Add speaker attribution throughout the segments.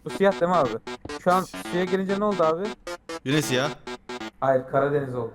Speaker 1: Bu siyah değil mi abi? Şu an suya girince ne oldu abi?
Speaker 2: Yine siyah.
Speaker 1: Hayır, Karadeniz oldu.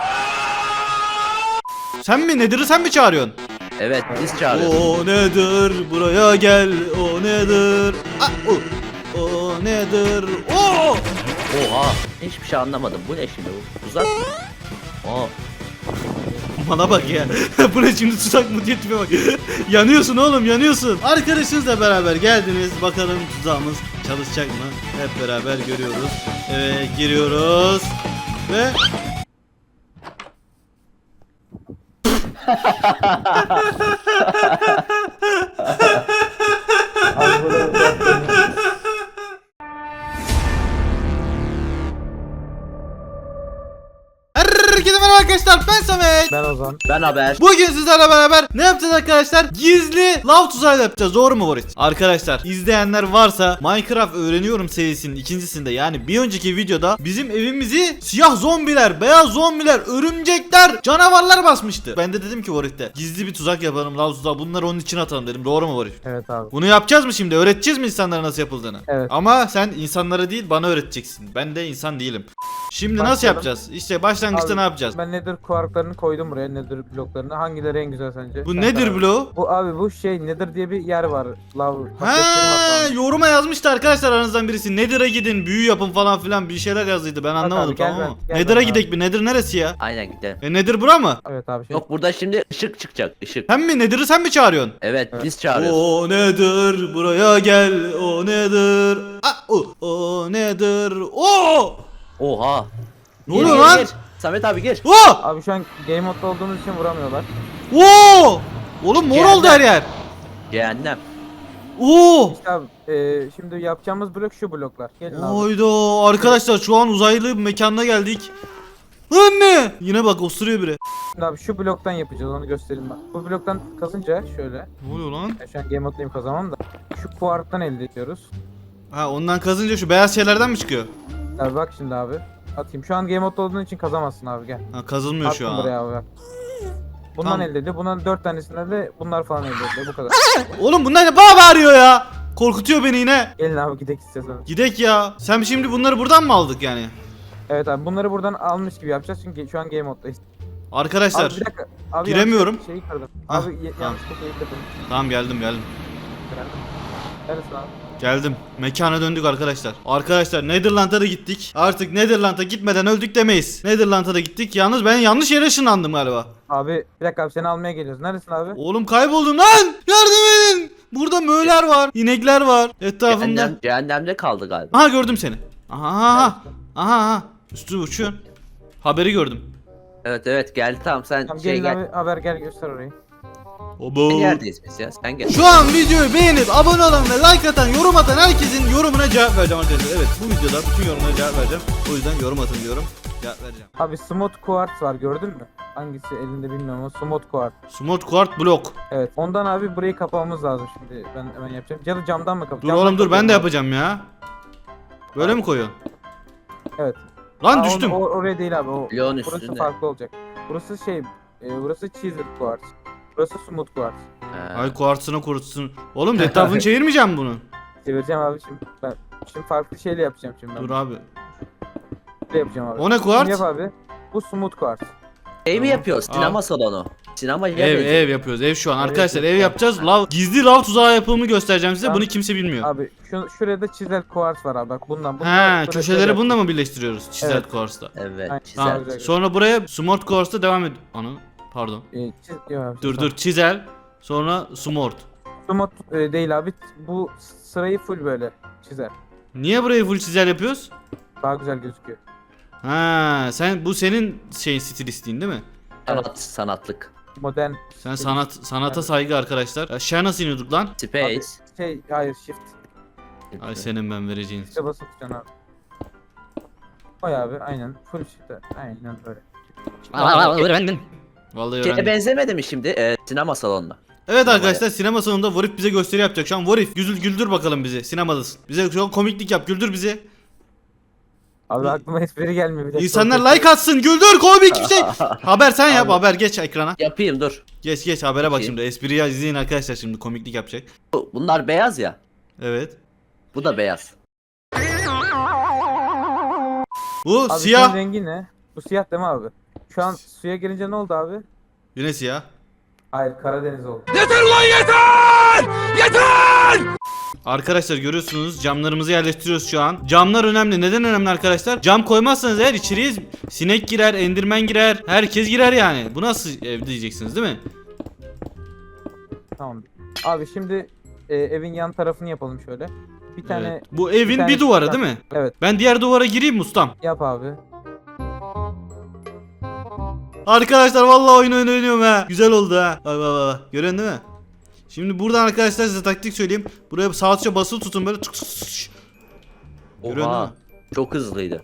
Speaker 2: Sen mi Nedir'i sen mi çağırıyorsun?
Speaker 3: Evet biz çağırıyoruz.
Speaker 2: O nedir buraya gel o nedir? O nedir? O!
Speaker 3: Oha hiçbir şey anlamadım. Bu ne şimdi bu? Tuzak mı? Aa.
Speaker 2: Bana bak ya. Bu ne şimdi tuzak mı diye tipe bak. Yanıyorsun oğlum yanıyorsun. Arkadaşınızla beraber geldiniz. Bakalım tuzağımız çalışacak mı? Hep beraber görüyoruz. Evet giriyoruz. Ve
Speaker 1: Abi burada
Speaker 2: herkese merhaba arkadaşlar, ben Samet.
Speaker 1: ben Ozan.
Speaker 3: Ben haber.
Speaker 2: Bugün sizlerle beraber ne yapacağız arkadaşlar? Gizli lav tuzağı yapacağız, doğru mu Boris? Arkadaşlar izleyenler varsa Minecraft öğreniyorum serisinin ikincisinde, yani bir önceki videoda bizim evimizi siyah zombiler, beyaz zombiler, örümcekler, canavarlar basmıştı. Ben de dedim ki Boris'te gizli bir tuzak yapalım, lav tuzağı, bunları onun için atalım dedim, doğru mu Boris?
Speaker 1: Evet abi.
Speaker 2: Bunu yapacağız mı şimdi? Öğreteceğiz mi insanlara nasıl yapıldığını?
Speaker 1: Evet.
Speaker 2: Ama sen insanlara değil bana öğreteceksin. Ben de insan değilim. Şimdi nasıl
Speaker 1: Başlayalım.
Speaker 2: yapacağız? İşte başlangıçta
Speaker 1: Abi,
Speaker 2: ne yapacağız?
Speaker 1: Ben Nether kuarklarını koydum buraya, Nether bloklarını. Hangileri en güzel sence?
Speaker 2: Bu
Speaker 1: Sen
Speaker 2: nedir
Speaker 1: karar ver.
Speaker 2: bloğu?
Speaker 1: Bu abi bu şey Nether diye bir yer var. Lav.
Speaker 2: Ha, yoruma yazmıştı arkadaşlar aranızdan birisi. Nedir'e gidin, büyü yapın falan filan bir şeyler yazdıydı. Ben anlamadım,
Speaker 1: abi, gel
Speaker 2: tamam mı?
Speaker 1: ben, gel
Speaker 2: Nedir'e
Speaker 1: ben
Speaker 2: gidek mi? Nedir neresi ya?
Speaker 3: Aynen gidelim.
Speaker 2: Nedir bura mı?
Speaker 1: Evet abi. Şey.
Speaker 3: Yok burada şimdi ışık çıkacak. Işık.
Speaker 2: Sen mi Nedir'i sen mi çağırıyorsun?
Speaker 3: Evet biz çağırıyoruz.
Speaker 2: O nedir buraya gel, o nedir? O nedir? O!
Speaker 3: Oha.
Speaker 2: Ne oluyor lan?
Speaker 3: Gir. Samet abi gir.
Speaker 2: O!
Speaker 1: Abi şu an game modda olduğumuz için vuramıyorlar.
Speaker 2: O! Oğlum mor oldu her yer.
Speaker 3: Cehennem.
Speaker 2: Oo!
Speaker 1: İşte abi şimdi yapacağımız blok şu bloklar. Gelin abi.
Speaker 2: Hayda arkadaşlar şu an uzaylı bir mekana geldik. Anne! Yine bak osuruyor biri.
Speaker 1: Şimdi abi şu bloktan yapacağız, onu göstereyim bak. Bu bloktan kazınca şöyle.
Speaker 2: Ne oluyor lan?
Speaker 1: Ben şu an game moddayım, kazamam da. Şu kuarktan elde ediyoruz.
Speaker 2: Ha ondan kazınca şu beyaz şeylerden mi çıkıyor?
Speaker 1: Abi bak şimdi abi. Atayım. Şu an game modda olduğun için kazamazsın abi, gel.
Speaker 2: Ha kazılmıyor şu
Speaker 1: Attım
Speaker 2: an.
Speaker 1: buraya abi bak. Bundan
Speaker 2: Tamam.
Speaker 1: elde ediyor. Bundan 4 tanesinde de bunlar falan elde ediyor. Bu kadar.
Speaker 2: Oğlum bunlar ne bana bağırıyor ya? Korkutuyor beni yine.
Speaker 1: Gelin abi gidelim istiyorsanız.
Speaker 2: Gidek ya. Sen şimdi bunları buradan mı aldık yani?
Speaker 1: Evet abi, bunları buradan almış gibi yapacağız çünkü şu an game moddayız.
Speaker 2: Arkadaşlar.
Speaker 1: Abi bir dakika. Abi
Speaker 2: Giremiyorum.
Speaker 1: yanlış şeyi kırdım.
Speaker 2: Ah,
Speaker 1: Abi
Speaker 2: tamam.
Speaker 1: yanlışlıkla şeyi kırdım.
Speaker 2: Tamam geldim.
Speaker 1: Neredesin abi?
Speaker 2: Geldim. Mekana döndük arkadaşlar. Arkadaşlar Netherland'a da gittik. Artık Netherland'a gitmeden öldük demeyiz. Netherland'a da gittik. Yalnız ben yanlış yere ışınlandım galiba.
Speaker 1: Abi bir dakika abi, seni almaya geliyoruz. Neredesin abi?
Speaker 2: Oğlum kayboldum lan. Yardım edin. Burada möğler var. İnekler var etrafımda.
Speaker 3: Cehennemde kaldı galiba.
Speaker 2: Aha gördüm seni. Aha. Üstü uçuyorsun. Haberi gördüm.
Speaker 3: Evet geldi tamam sen
Speaker 1: Tamam
Speaker 3: şey
Speaker 1: gelin
Speaker 3: gel.
Speaker 1: abi, haber gel göster orayı.
Speaker 2: Obo.
Speaker 3: Neredeyiz biz ya? Sen gel.
Speaker 2: Şu an videoyu beğenip abone olan ve like atan, yorum atan herkesin yorumuna cevap vereceğim arkadaşlar. Evet bu videoda bütün yorumlara cevap vereceğim. O yüzden yorum atın diyorum. Cevap vereceğim.
Speaker 1: Abi smooth quartz var, gördün mü? Hangisi elinde bilmiyorum ama smooth quartz.
Speaker 2: Smooth Quart Block.
Speaker 1: Evet, ondan abi burayı kapamamız lazım şimdi. Ben hemen yapacağım. Ya da camdan mı
Speaker 2: Dur
Speaker 1: kapatacağım?
Speaker 2: oğlum dur ben de yapacağım ya. Böyle mi koyuyorsun?
Speaker 1: Evet.
Speaker 2: Lan
Speaker 1: Aa,
Speaker 2: düştüm.
Speaker 1: oraya değil abi.
Speaker 3: Bloğun
Speaker 1: Burası
Speaker 3: üstünde.
Speaker 1: farklı olacak. Burası şey, burası chisel quartz. Burası smooth quartz.
Speaker 2: Ay kuartsına kurutsun. Oğlum etrafını çevirmeyeceğim bunu.
Speaker 1: Çevireceğim abi şimdi. Ben şimdi farklı şeyle yapacağım şimdi.
Speaker 2: Dur abi.
Speaker 1: Böyle yapacağım abi.
Speaker 2: O ne
Speaker 1: Şimdi
Speaker 2: kuarts?
Speaker 1: yap abi. Bu smooth quartz.
Speaker 3: Şey mi
Speaker 2: Tamam.
Speaker 3: yapıyoruz? Sinema salonu. Sinema
Speaker 2: Ev yapıyoruz ev şu an.
Speaker 1: Evet,
Speaker 2: Arkadaşlar
Speaker 1: evet.
Speaker 2: ev yapacağız. Gizli lav tuzağı yapımı göstereceğim size.
Speaker 1: Tamam.
Speaker 2: Bunu kimse bilmiyor.
Speaker 1: Abi şuraya da chisel quartz var abi. Bak bundan.
Speaker 2: He
Speaker 1: şöyle
Speaker 2: köşeleri
Speaker 1: şöyle
Speaker 2: bununla mı birleştiriyoruz? Çizel
Speaker 1: Evet.
Speaker 2: Quartz'ta.
Speaker 3: Evet.
Speaker 1: Aynen.
Speaker 3: Çizer.
Speaker 2: Tamam.
Speaker 1: güzel.
Speaker 2: Sonra buraya Smart Quartz'ta devam ed... Ana pardon.
Speaker 1: Yok abi,
Speaker 2: Dur çizel. Sonra Smart.
Speaker 1: Smooth değil abi. Bu sırayı full böyle çizer.
Speaker 2: Niye burayı full çizel yapıyoruz?
Speaker 1: Daha güzel gözüküyor.
Speaker 2: Ha sen bu senin şeyin stilistliğin değil mi?
Speaker 3: Sanatlık.
Speaker 1: Modern.
Speaker 2: Sen sanata saygı arkadaşlar. Aşağı nasıl iniyorduk lan?
Speaker 3: Space.
Speaker 1: Hayır, shift.
Speaker 2: Ay senin ben vereceğin.
Speaker 1: İşte basıp tutacaksın abi. Koy abi, aynen. Full shift. Aynen böyle.
Speaker 2: Vallahi
Speaker 3: Şeye
Speaker 2: öğrendim.
Speaker 3: benzemedi mi şimdi sinema salonuna?
Speaker 2: Evet arkadaşlar sinema salonunda Vorif bize gösteri yapacak. Şu an Vorif güldür bakalım bizi. Sinemadasın. Bize şu an komiklik yap. Güldür bizi.
Speaker 1: Abi aklıma espri gelmiyor. Bir de
Speaker 2: İnsanlar like atsın. Güldür komik bir şey. Haber sen yap.
Speaker 1: Abi.
Speaker 2: Haber geç ekrana.
Speaker 3: Yapayım dur.
Speaker 2: Geç habere bak
Speaker 3: Bakayım.
Speaker 2: şimdi. Espriyi izleyin arkadaşlar şimdi komiklik yapacak.
Speaker 3: Bunlar beyaz ya.
Speaker 2: Evet.
Speaker 3: Bu da beyaz.
Speaker 2: Bu
Speaker 1: Abi
Speaker 2: siyah.
Speaker 1: senin rengi ne? Bu siyah değil mi abi? Şu an suya girince ne oldu abi?
Speaker 2: Yine siyah.
Speaker 1: Hayır, Karadeniz oldu.
Speaker 2: Arkadaşlar görüyorsunuz camlarımızı yerleştiriyoruz şu an. Camlar önemli. Neden önemli arkadaşlar? Cam koymazsanız eğer içeriye sinek girer, endirmen girer, herkes girer yani. Bu nasıl ev diyeceksiniz değil mi?
Speaker 1: Tamam. Abi şimdi evin yan tarafını yapalım şöyle. Bir tane
Speaker 2: Evet. Bu evin
Speaker 1: tane
Speaker 2: bir duvarı
Speaker 1: çıkan-
Speaker 2: değil mi?
Speaker 1: Evet,
Speaker 2: Ben diğer duvara gireyim mi ustam?
Speaker 1: yap abi.
Speaker 2: Arkadaşlar vallahi oyun oynuyorum ha. Güzel oldu ha. Bak bak bak. Görüyorsun değil mi? Şimdi buradan arkadaşlar size taktik söyleyeyim. Buraya sağ tuşa basılı tutun böyle. Tık tık tık. Görüyorsun değil
Speaker 3: Oha.
Speaker 2: mi?
Speaker 3: Çok hızlıydı.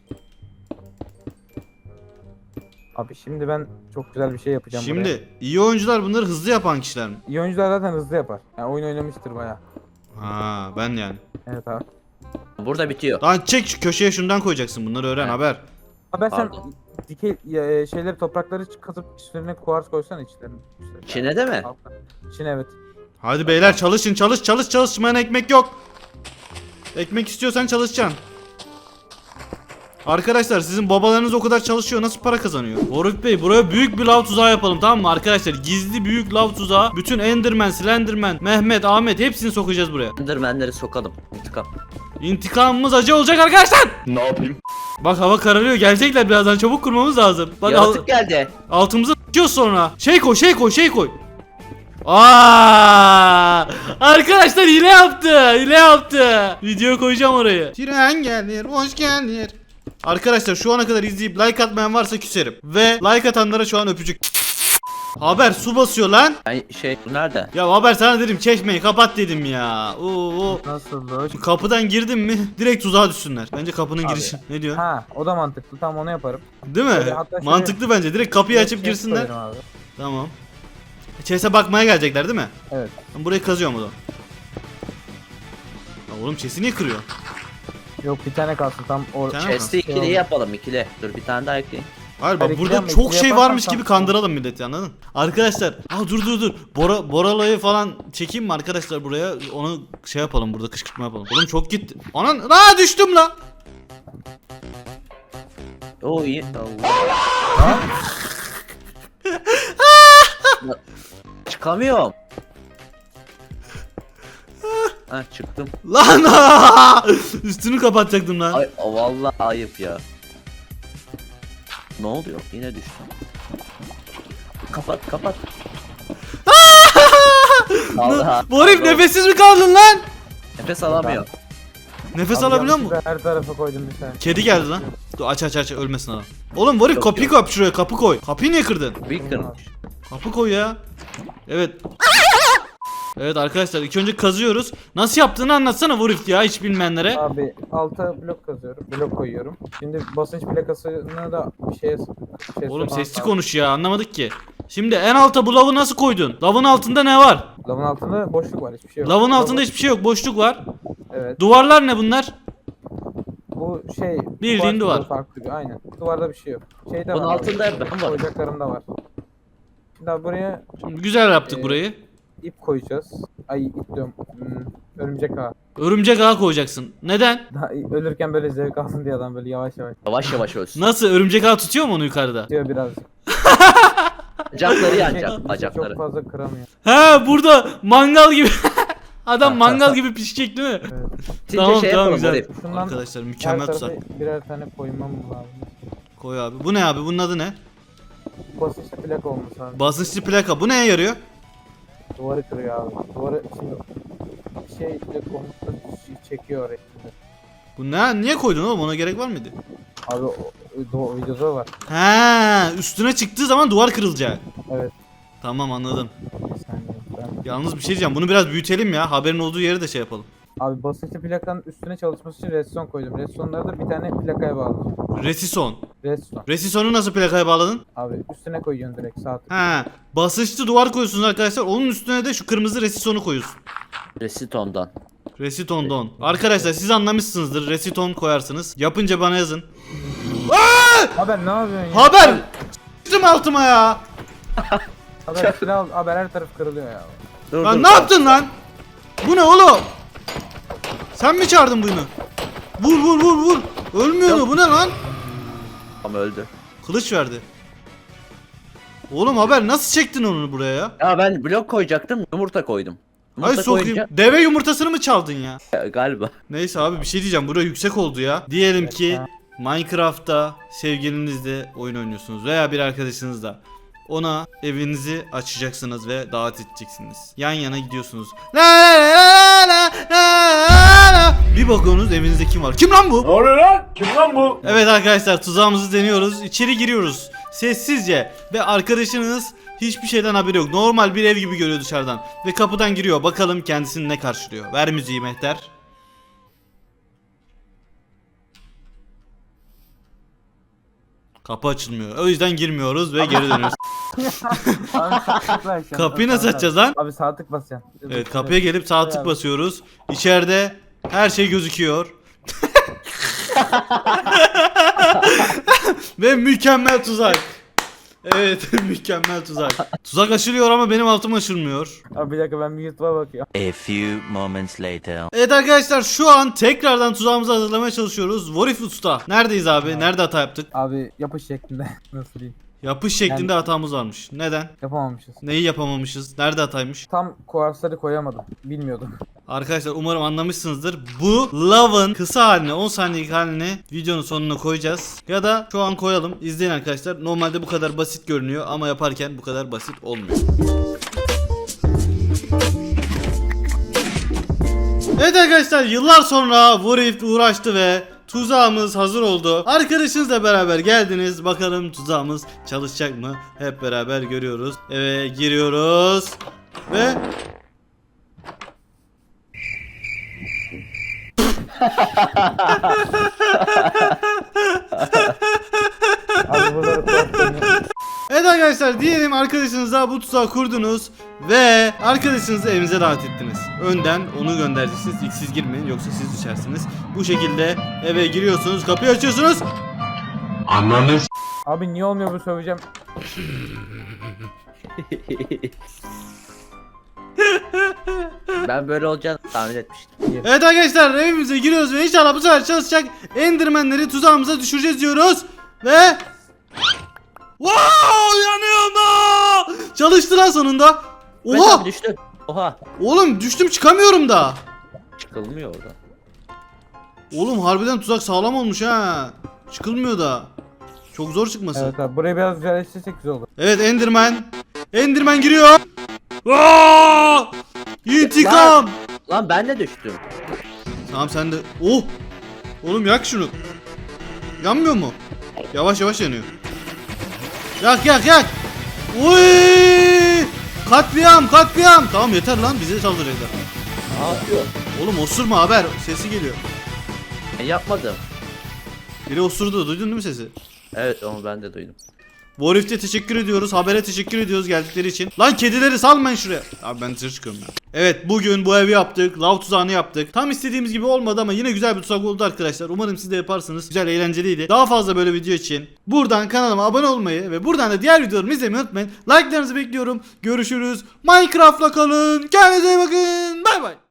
Speaker 1: Abi şimdi ben çok güzel bir şey yapacağım buraya.
Speaker 2: Şimdi iyi oyuncular bunları hızlı yapan kişiler mi?
Speaker 1: İyi oyuncular zaten hızlı yapar. Yani oyun oynamıştır baya.
Speaker 2: Ha ben yani.
Speaker 1: Evet abi.
Speaker 3: Burada bitiyor.
Speaker 2: Lan çek şu köşeye şundan koyacaksın. Bunları öğren
Speaker 3: Evet.
Speaker 2: haber.
Speaker 1: Abi sen
Speaker 3: Pardon.
Speaker 1: dikey şeyleri toprakları katıp üstlerine kuars koysana içlerine.
Speaker 3: İçine de mi?
Speaker 1: Altına. İçine evet.
Speaker 2: Hadi beyler çalışın çalışmayan ekmek yok. Ekmek istiyorsan çalışacaksın. Arkadaşlar sizin babalarınız o kadar çalışıyor nasıl para kazanıyor? Boruk Bey buraya büyük bir lav tuzağı yapalım tamam mı arkadaşlar? Gizli büyük lav tuzağı. Bütün Enderman, Slenderman, Mehmet, Ahmet hepsini sokacağız buraya.
Speaker 3: Endermenleri sokalım. İntikam.
Speaker 2: İntikamımız acı olacak arkadaşlar. Ne yapayım? Bak hava kararıyor gelecekler birazdan çabuk kurmamız lazım. Bak
Speaker 3: Yaratık geldi.
Speaker 2: altımıza s***yoruz sonra. Şey koy. Aa! Arkadaşlar hile yaptı. Video koyacağım oraya. Tren gelir, hoş gelir. Arkadaşlar şu ana kadar izleyip like atmayan varsa küserim. Ve like atanlara şu an öpücük. Haber su basıyor lan.
Speaker 3: Ay bu nerede?
Speaker 2: Ya haber sana dedim çeşmeyi kapat dedim ya. Oo.
Speaker 1: Nasıl hoş?
Speaker 2: Kapıdan girdim mi direkt tuzağa düşsünler. Bence kapının
Speaker 1: Abi.
Speaker 2: girişi. Ne diyor?
Speaker 1: Ha, o da mantıklı. Tamam, onu yaparım.
Speaker 2: Değil mi?
Speaker 1: Şöyle, hatta şöyle-
Speaker 2: Mantıklı bence. Direkt kapıyı açıp
Speaker 1: Chest
Speaker 2: girsinler.
Speaker 1: koyarım abi.
Speaker 2: Tamam. Chest'e bakmaya gelecekler değil mi?
Speaker 1: Evet.
Speaker 2: Ben burayı kazıyorum o zaman. Ya oğlum chest'i niye kırıyor?
Speaker 1: Yok, bir tane kalsın tam
Speaker 2: Bir tane mi?
Speaker 3: Chest'i ikili
Speaker 1: oldu.
Speaker 3: yapalım ikili. Dur bir tane daha ekleyin.
Speaker 2: Hayır bak
Speaker 1: Hayır,
Speaker 2: burada
Speaker 1: ikili
Speaker 2: çok
Speaker 1: yapma,
Speaker 2: şey
Speaker 1: ikili
Speaker 2: varmış
Speaker 1: yaparsan
Speaker 2: gibi
Speaker 1: tamam.
Speaker 2: kandıralım milleti anladın? Arkadaşlar dur. Boralo'yu falan çekeyim mi arkadaşlar buraya? Onu şey yapalım burada kışkırtma yapalım. Oğlum çok gitti. Anan düştüm la.
Speaker 3: Oo iyi. Allah. Çıkamıyorum. Ha çıktım.
Speaker 2: Lan üstünü kapatacaktım lan.
Speaker 3: Ay vallahi ayıp ya. Ne oluyor? Yine düştüm. Kapat. Allah.
Speaker 2: Bu herif nefessiz mi kaldın lan?
Speaker 3: Nefes alamıyor.
Speaker 2: Nefes
Speaker 1: Abi
Speaker 2: alabiliyor musun?
Speaker 1: yanlışlıkla her tarafa koydum bir tane.
Speaker 2: Kedi geldi lan. Dur aç ölmesin adam. Oğlum Warif
Speaker 3: Yok,
Speaker 2: kapıyı
Speaker 3: yok.
Speaker 2: kap şuraya kapı koy. Kapıyı niye kırdın?
Speaker 3: Bir kırmış.
Speaker 2: Kapı koy ya. Evet. Evet arkadaşlar ilk önce kazıyoruz. Nasıl yaptığını anlatsana Warif ya hiç bilmeyenlere.
Speaker 1: Abi alta blok kazıyorum. Blok koyuyorum. Şimdi basınç plakasını da bir şeye
Speaker 2: Oğlum
Speaker 1: sokmam
Speaker 2: sesli
Speaker 1: lazım.
Speaker 2: konuş ya anlamadık ki. Şimdi en alta bu lavı nasıl koydun? Lavın altında ne var?
Speaker 1: Lavın altında boşluk var, hiçbir şey yok.
Speaker 2: Lavın altında hiçbir şey yok boşluk var.
Speaker 1: Evet.
Speaker 2: Duvarlar ne bunlar?
Speaker 1: Bu şey
Speaker 2: Bildiğin duvar.
Speaker 1: Farklı bir, aynen. Duvarda bir şey yok. Şeyde
Speaker 3: Bunun
Speaker 1: var.
Speaker 3: altında ben varım.
Speaker 1: Koyacaklarım da var. Şimdi abi buraya
Speaker 2: Şimdi güzel yaptık
Speaker 1: Ee,
Speaker 2: burayı.
Speaker 1: ip koyacağız. Ay, ip diyorum. Örümcek ağı.
Speaker 2: Örümcek ağı koyacaksın. Neden?
Speaker 1: Daha ölürken böyle zevk alsın diye adam böyle yavaş yavaş
Speaker 3: Yavaş yavaş ölsün.
Speaker 2: Nasıl örümcek ağı tutuyor mu onu yukarıda?
Speaker 1: diyor birazcık.
Speaker 3: Bacakları
Speaker 1: Şey,
Speaker 3: yanacak bacakları.
Speaker 1: Çok fazla kıramıyor.
Speaker 2: He burada mangal gibi. Adam mangal gibi pişecek değil mi?
Speaker 1: Evet.
Speaker 3: Sizce
Speaker 2: Tamam,
Speaker 3: şey
Speaker 2: tamam,
Speaker 3: yapalım
Speaker 2: güzel.
Speaker 3: Arif.
Speaker 1: Şundan
Speaker 2: Arkadaşlar
Speaker 1: her
Speaker 2: mükemmel
Speaker 1: tarafa
Speaker 2: tuzak.
Speaker 1: birer tane koymam lazım.
Speaker 2: Koy abi. Bu ne abi? Bunun adı ne?
Speaker 1: Basınçlı plak olması lazım.
Speaker 2: Basınçlı plaka. Bu neye yarıyor?
Speaker 1: Duvarı kırıyor abi. Duvarı şimdi şey komutla çekiyor oraya şimdi.
Speaker 2: Bu ne? Niye koydun oğlum? Ona gerek var mıydı?
Speaker 1: Abi o videoda var.
Speaker 2: He, üstüne çıktığı zaman duvar kırılacak.
Speaker 1: Evet.
Speaker 2: Tamam anladım.
Speaker 1: Bir saniye.
Speaker 2: Yalnız bir şey diyeceğim. Bunu biraz büyütelim ya. Haberin olduğu yeri de şey yapalım.
Speaker 1: Abi basınçlı plakanın üstüne çalışması için redstone koydum. Redstone'ları da bir tane plakaya bağladım.
Speaker 2: Resison.
Speaker 1: Redstone.
Speaker 2: Resison'u nasıl plakaya bağladın?
Speaker 1: Abi üstüne koyuyorsun direkt sağ tık.
Speaker 2: He. Basınçlı duvar koyuyorsunuz arkadaşlar. Onun üstüne de şu kırmızı resisonu koyuyorsun.
Speaker 3: Resiton'dan.
Speaker 2: Resiton'dan. Arkadaşlar siz anlamışsınızdır. Resiton koyarsınız. Yapınca bana yazın.
Speaker 1: Haber ne yapıyorsun ya?
Speaker 2: Haber! Sıçtım altıma ya.
Speaker 1: Haber silah al. Haber her taraf kırılıyor ya.
Speaker 3: Dur,
Speaker 2: Lan ne yaptın lan? Bu ne oğlum? Sen mi çağırdın bunu? Vur. Ölmüyordu, bu ne lan?
Speaker 3: Ama öldü.
Speaker 2: Kılıç verdi. Oğlum haber nasıl çektin onu buraya ya?
Speaker 3: Ya ben blok koyacaktım, yumurta koydum.
Speaker 2: Ay
Speaker 3: Yumurta
Speaker 2: sokayım.
Speaker 3: koyunca
Speaker 2: Deve yumurtasını mı çaldın ya?
Speaker 3: galiba.
Speaker 2: Neyse abi bir şey diyeceğim. Burası yüksek oldu ya. Diyelim ki Minecraft'ta sevgilinizle oyun oynuyorsunuz veya bir arkadaşınızla. Ona evinizi açacaksınız ve davet edeceksiniz. Yan yana gidiyorsunuz. La la la la la. Bir bakıyorsunuz evinizde kim var? Kim lan bu?
Speaker 4: Ne oluyor lan? Kim lan bu?
Speaker 2: Evet arkadaşlar tuzağımızı deniyoruz. İçeri giriyoruz. Sessizce ve arkadaşınız hiçbir şeyden haberi yok. Normal bir ev gibi görüyor dışarıdan. Ve kapıdan giriyor. Bakalım kendisini ne karşılıyor. Ver müziği Mehter. Kapı açılmıyor. O yüzden girmiyoruz ve geri dönüyoruz.
Speaker 1: Abi sağ tık vereceksin.
Speaker 2: Kapıyı nasıl açacağız lan?
Speaker 1: Abi sağ tık basacaksın.
Speaker 2: Evet kapıya gelip sağ tık basıyoruz. İçeride her şey gözüküyor. Ve mükemmel tuzak. Evet mükemmel tuzak. Tuzak aşılıyor ama benim altım aşılmıyor.
Speaker 1: Abi bir dakika ben bir YouTube'a bakıyorum.
Speaker 5: A few moments later.
Speaker 2: Evet arkadaşlar şu an tekrardan tuzağımızı hazırlamaya çalışıyoruz. Warif Usta. Neredeyiz abi? Nerede hata yaptık?
Speaker 1: Abi yapış şeklinde. Nasıl diyeyim?
Speaker 2: Yapış şeklinde hatamız varmış. Neden?
Speaker 1: Yapamamışız.
Speaker 2: Neyi yapamamışız? Nerede hataymış?
Speaker 1: Tam kuarsları koyamadım. Bilmiyordum.
Speaker 2: Arkadaşlar umarım anlamışsınızdır. Bu Love'ın kısa halini 10 saniyelik halini videonun sonuna koyacağız. Ya da şu an koyalım. İzleyin arkadaşlar. Normalde bu kadar basit görünüyor ama yaparken bu kadar basit olmuyor. Evet arkadaşlar yıllar sonra Warif uğraştı ve tuzağımız hazır oldu. Arkadaşınızla beraber geldiniz. Bakalım tuzağımız çalışacak mı? Hep beraber görüyoruz. Evet giriyoruz. Ve
Speaker 1: Abi buraları kuarslarını...
Speaker 2: evet arkadaşlar diyelim arkadaşınızla bu tuzağı kurdunuz ve arkadaşınızı evinize davet ettiniz. Önden onu göndereceksiniz. İlk siz girmeyin yoksa siz düşersiniz. Bu şekilde eve giriyorsunuz, kapıyı açıyorsunuz.
Speaker 1: Abi niye olmuyor bu söyleyeceğim.
Speaker 3: Ben böyle olacağını tahmin etmiştim.
Speaker 2: Evet arkadaşlar evimize giriyoruz ve inşallah bu sefer çalışacak Enderman'leri tuzağımıza düşüreceğiz diyoruz. Ve wow yanıyorum da. Çalıştı lan sonunda.
Speaker 3: Mehmet
Speaker 2: Oha
Speaker 3: abi düştü. Oha.
Speaker 2: oğlum düştüm çıkamıyorum da.
Speaker 3: Çıkılmıyor oradan.
Speaker 2: Oğlum harbiden tuzak sağlam olmuş ha. Çıkılmıyor da. Çok zor çıkması.
Speaker 1: Evet abi burayı biraz güzelleştirsek güzel olur.
Speaker 2: Evet Enderman. Enderman giriyor. Aa! İntikam.
Speaker 3: Lan ben de düştüm.
Speaker 2: Tamam sen de. Oh. Oğlum yak şunu. Yanmıyor mu? Yavaş yavaş yanıyor. Yak yak yak. Oy! Katliam katliam. Tamam yeter lan bize saldıracaklar.
Speaker 3: Ne yapıyor?
Speaker 2: Oğlum osurma haber. Sesi geliyor.
Speaker 3: Ben yapmadım.
Speaker 2: Biri osurdu. Duydun değil mi sesi?
Speaker 3: Evet onu ben de duydum.
Speaker 2: Warif'te teşekkür ediyoruz. Habere teşekkür ediyoruz geldikleri için. Lan kedileri salmayın şuraya. Abi ben dışarı çıkıyorum ya. Evet bugün bu evi yaptık. Lav tuzağını yaptık. Tam istediğimiz gibi olmadı ama yine güzel bir tuzak oldu arkadaşlar. Umarım siz de yaparsınız. Güzel eğlenceliydi. Daha fazla böyle video için buradan kanalıma abone olmayı ve buradan da diğer videolarımı izlemeyi unutmayın. Like'larınızı bekliyorum. Görüşürüz. Minecraft'la kalın. Kendinize iyi bakın. Bay bay.